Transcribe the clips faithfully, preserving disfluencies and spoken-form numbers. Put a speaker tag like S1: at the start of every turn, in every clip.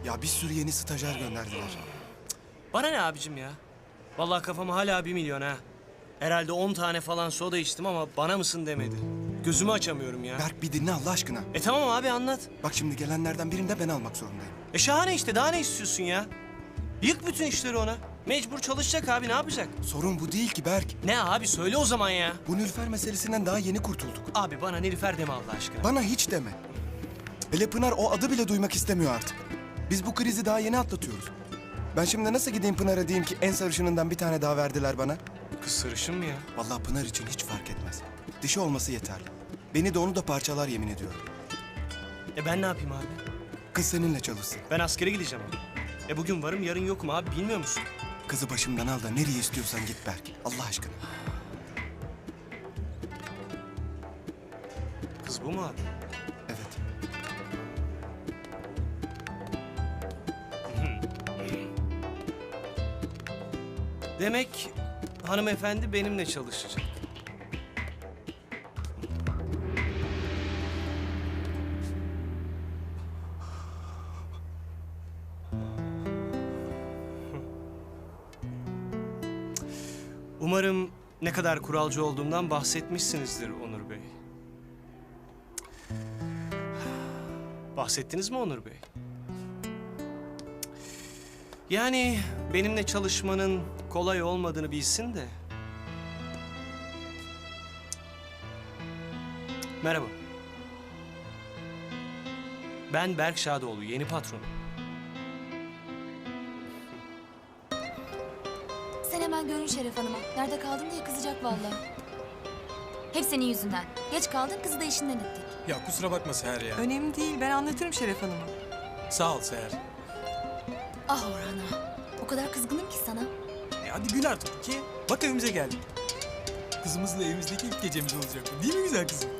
S1: Ya bir sürü yeni stajyer gönderdiler.
S2: Bana ne abicim ya? Vallahi kafam hala bir milyon ha. Herhalde on tane falan soda içtim ama bana mısın demedi. Gözümü açamıyorum ya.
S1: Berk bir dinle Allah aşkına.
S2: E tamam abi anlat.
S1: Bak şimdi gelenlerden birini de ben almak zorundayım.
S2: E şahane işte daha ne istiyorsun ya? Yık bütün işleri ona. Mecbur çalışacak abi ne yapacak?
S1: Sorun bu değil ki Berk.
S2: Ne abi söyle o zaman ya.
S1: Bu Nilüfer meselesinden daha yeni kurtulduk.
S2: Abi bana Nilüfer deme Allah aşkına.
S1: Bana hiç deme. Hele Pınar o adı bile duymak istemiyor artık. Biz bu krizi daha yeni atlatıyoruz. Ben şimdi nasıl gideyim Pınar'a diyeyim ki en sarışınından bir tane daha verdiler bana?
S2: Kız sarışın mı ya?
S1: Vallahi Pınar için hiç fark etmez. Dişi olması yeterli. Beni de onu da parçalar yemin ediyorum.
S2: E ben ne yapayım abi?
S1: Kız seninle çalışsın.
S2: Ben askere gideceğim abi. E bugün varım yarın yokum abi bilmiyor musun?
S1: Kızı başımdan al da nereye istiyorsan git Berk. Allah aşkına.
S2: Kız bu mu abi?
S1: Evet.
S2: Demek hanımefendi benimle çalışacak. Umarım ne kadar kuralcı olduğumdan bahsetmişsinizdir Onur Bey. Bahsettiniz mi Onur Bey? Yani benimle çalışmanın kolay olmadığını bilsin de. Merhaba. Ben Berk Şadoğlu, yeni patronum.
S3: Sen hemen görün Şeref Hanım'a. Nerede kaldın diye kızacak vallahi. Hep senin yüzünden. Geç kaldın, kızı da işinden ettik.
S4: Ya kusura bakma Seher ya.
S5: Önemli değil, ben anlatırım Şeref Hanım'a.
S4: Sağ ol Seher.
S3: Ah Orhan'a. O kadar kızgınım ki sana.
S4: E hadi gül artık ki. Bak evimize geldik. Kızımızla evimizdeki ilk gecemiz olacak. Değil mi güzel kızım?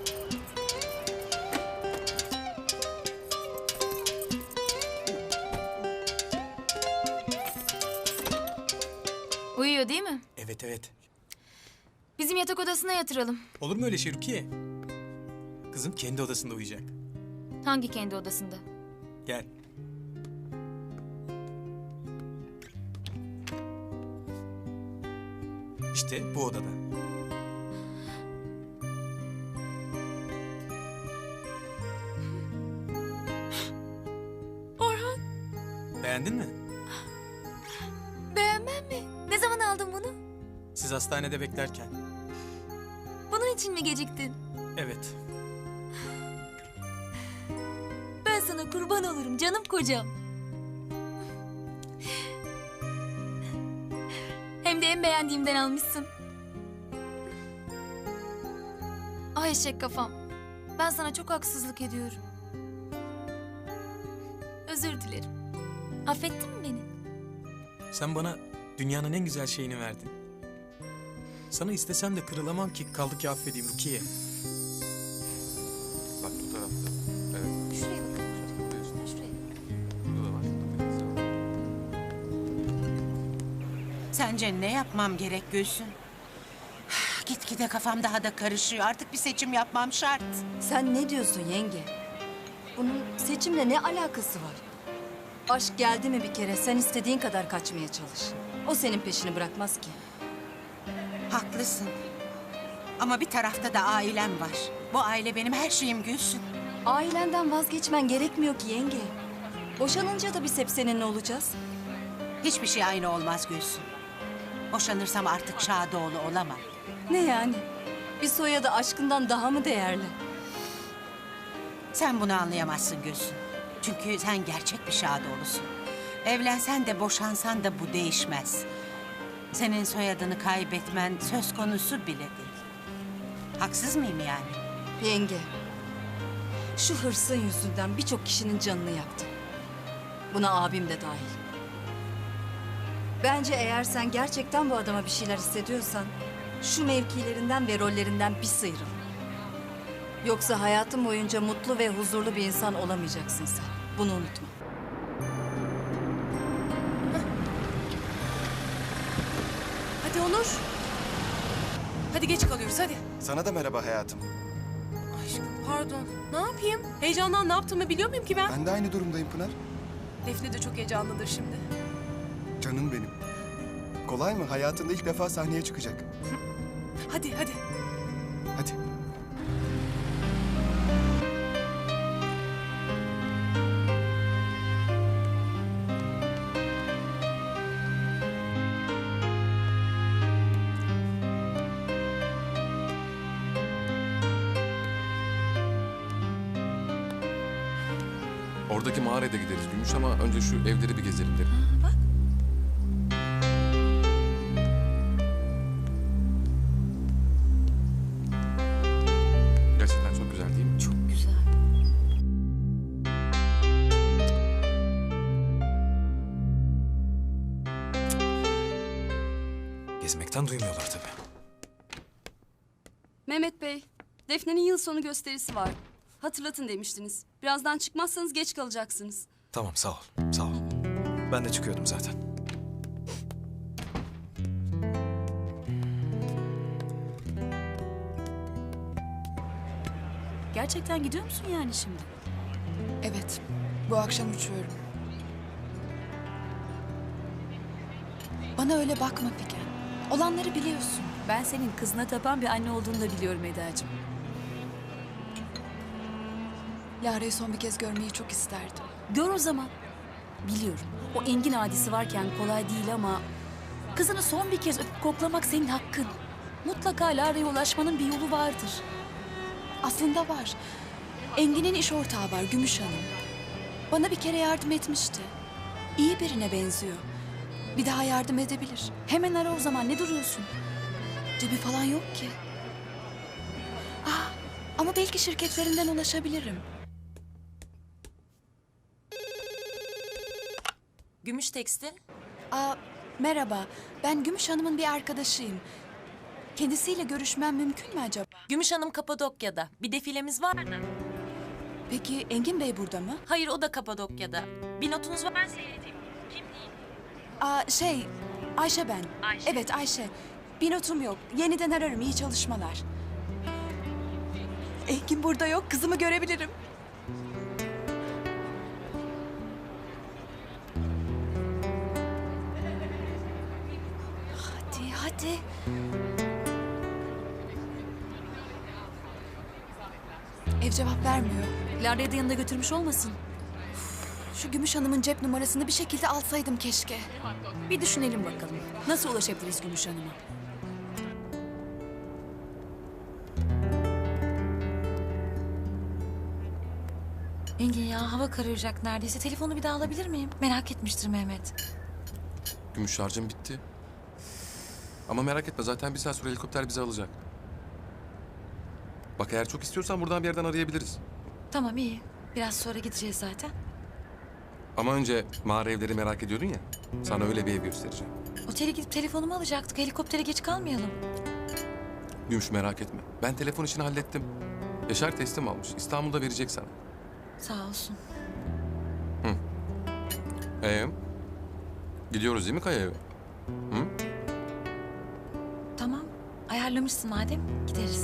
S3: Uyuyor değil mi?
S4: Evet evet.
S3: Bizim yatak odasına yatıralım.
S4: Olur mu öyle şey Rukiye? Kızım kendi odasında uyuyacak.
S3: Hangi kendi odasında?
S4: Gel. İşte bu odada.
S3: Orhan.
S4: Beğendin mi?
S3: Beğenmem mi? Ne zaman aldın bunu?
S4: Siz hastanede beklerken.
S3: Bunun için mi geciktin?
S4: Evet.
S3: Ben sana kurban olurum canım kocam. Hem de en beğendiğimden almışsın. Ay eşek kafam. Ben sana çok haksızlık ediyorum. Özür dilerim. Affettin mi beni?
S4: Sen bana dünyanın en güzel şeyini verdin. Sana istesem de kırılamam ki kaldı ki affedeyim Rukiye.
S6: Bak bu tarafta. Evet.
S3: Şuraya bakın. Şuraya.
S6: Burada da var.
S7: Sence ne yapmam gerek Gülsün? Gitgide kafam daha da karışıyor. Artık bir seçim yapmam şart.
S8: Sen ne diyorsun yenge? Bunun seçimle ne alakası var? Aşk geldi mi bir kere sen istediğin kadar kaçmaya çalış. O senin peşini bırakmaz ki.
S7: Haklısın. Ama bir tarafta da ailem var. Bu aile benim her şeyim Gülsün.
S8: Ailenden vazgeçmen gerekmiyor ki yenge. Boşanınca da biz hep seninle olacağız.
S7: Hiçbir şey aynı olmaz Gülsün. Boşanırsam artık Şadoğlu olamam.
S8: Ne yani? Bir soyadı aşkından daha mı değerli?
S7: Sen bunu anlayamazsın Gülsün. Çünkü sen gerçek bir Şadoğlu'sun. Evlensen de boşansan da bu değişmez. Senin soyadını kaybetmen söz konusu bile değil. Haksız mıyım yani?
S8: Yenge, şu hırsın yüzünden birçok kişinin canını yaktı. Buna abim de dahil. Bence eğer sen gerçekten bu adama bir şeyler hissediyorsan... ...şu mevkilerinden ve rollerinden bir sıyrıl. Yoksa hayatın boyunca mutlu ve huzurlu bir insan olamayacaksın sen. Bunu unutma.
S5: Hadi Onur. Hadi geç kalıyoruz hadi.
S1: Sana da merhaba hayatım.
S5: Pardon. Ne yapayım? Heyecandan ne yaptığımı biliyor muyum ki ben?
S1: Ben de aynı durumdayım Pınar.
S5: Defne de çok heyecanlıdır şimdi.
S1: Canım benim. Kolay mı? Hayatında ilk defa sahneye çıkacak.
S5: Hadi hadi.
S1: Hadi.
S6: Oradaki mağaraya da gideriz Gümüş ama önce şu evleri bir gezelim derim. Gerçekten çok güzel değil mi?
S7: Çok güzel.
S4: Gezmekten duymuyorlar tabii.
S9: Mehmet Bey, Defne'nin yıl sonu gösterisi var. Hatırlatın demiştiniz. Birazdan çıkmazsanız geç kalacaksınız.
S4: Tamam sağ ol. Sağ ol. Ben de çıkıyordum zaten.
S9: Gerçekten gidiyor musun yani şimdi?
S10: Evet, bu akşam uçuyorum. Bana öyle bakma Figen. Olanları biliyorsun.
S9: Ben senin kızına tapan bir anne olduğunu da biliyorum Eda'cığım.
S10: Lara'yı son bir kez görmeyi çok isterdim.
S9: Gör o zaman. Biliyorum. O Engin hadisi varken kolay değil ama... kızını son bir kez öpüp koklamak senin hakkın. Mutlaka Lara'ya ulaşmanın bir yolu vardır.
S10: Aslında var. Engin'in iş ortağı var, Gümüş Hanım. Bana bir kere yardım etmişti. İyi birine benziyor. Bir daha yardım edebilir.
S9: Hemen ara o zaman. Ne duruyorsun?
S10: Cebi falan yok ki. Ah, ama belki şirketlerinden ulaşabilirim.
S11: Gümüş Tekstil.
S10: Aa, merhaba. Ben Gümüş Hanım'ın bir arkadaşıyım. Kendisiyle görüşmem mümkün mü acaba?
S11: Gümüş Hanım Kapadokya'da. Bir defilemiz var mı?
S10: Peki Engin Bey burada mı?
S11: Hayır, o da Kapadokya'da. Bir notunuz var. Ben seyredeyim.
S10: Aa, şey, Ayşe ben.
S11: Ayşe.
S10: Evet Ayşe. Bir notum yok. Yeniden ararım. İyi çalışmalar. Engin burada yok. Kızımı görebilirim. Hadi, hadi. Ev cevap vermiyor.
S9: Lara'yı da yanında götürmüş olmasın?
S10: Şu Gümüş Hanım'ın cep numarasını bir şekilde alsaydım keşke.
S9: Bir düşünelim bakalım. Nasıl ulaşabiliriz Gümüş Hanım'a?
S11: Engin ya, hava kararacak neredeyse. Telefonu bir daha alabilir miyim? Merak etmiştir Mehmet.
S6: Gümüş şarjım bitti. Ama merak etme zaten bir saat sonra helikopter bizi alacak. Bak eğer çok istiyorsan buradan bir yerden arayabiliriz.
S11: Tamam, iyi. Biraz sonra gideceğiz zaten.
S6: Ama önce mağara evleri merak ediyordun ya. Sana öyle bir ev göstereceğim.
S11: Otele gidip telefonumu alacaktık. Helikoptere geç kalmayalım.
S6: Gümüş merak etme. Ben telefon işini hallettim. Yaşar teslim almış. İstanbul'da verecek sana.
S11: Sağ olsun.
S6: Ee, gidiyoruz değil mi Kaya eve? Hı?
S11: Tamam. Ayarlamışsın madem. Gideriz.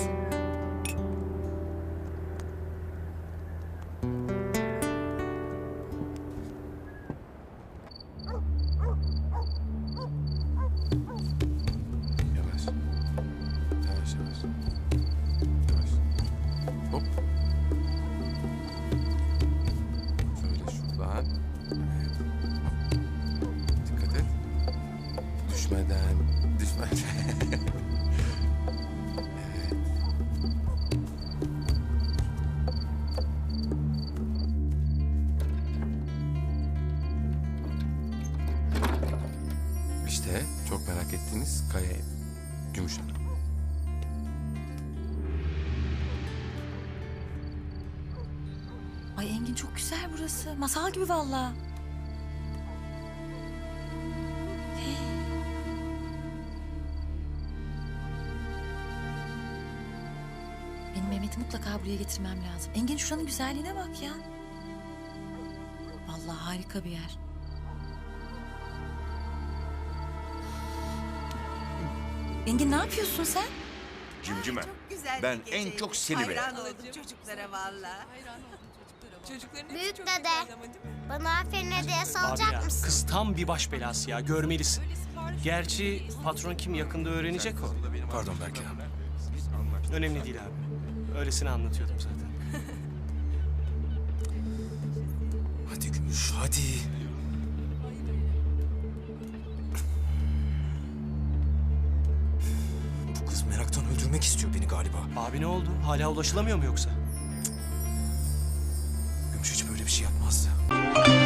S6: Yavaş. Yavaş yavaş. Yavaş. Hop. Şöyle şuradan. Evet. Dikkat et. Düşmeden. Düşmeden. Evet. İşte çok merak ettiğiniz Kaya evi. Gümüş Hanım.
S11: Ay Engin, çok güzel burası. Masal gibi vallahi. Hey. Benim Mehmet'i mutlaka buraya getirmem lazım. Engin, şuranın güzelliğine bak ya. Vallahi harika bir yer. Engin, ne yapıyorsun sen?
S12: Cimcime.
S7: Güzel
S12: Ben
S7: bir
S12: en
S7: geceydi.
S12: çok seni
S7: Hayran
S12: beğendim.
S7: oldum çocuklara vallahi.
S5: Çocukların
S3: Büyük
S5: hepsi çok
S3: dede.
S5: güzeldi ama değil mi?
S12: Bana aferin hediyesi
S2: Abi
S12: alacak
S2: ya,
S12: mısın?
S2: kız tam bir baş belası ya, görmelisin. Gerçi patron kim yakında öğrenecek o.
S4: Pardon Berke.
S2: Önemli değil abi. Öylesine anlatıyordum zaten.
S4: Hadi Gümüş hadi. Bu kız meraktan öldürmek istiyor beni galiba.
S2: Abi ne oldu? Hala ulaşılamıyor mu yoksa?
S4: Gümüş hiç böyle bir şey yapmazdı.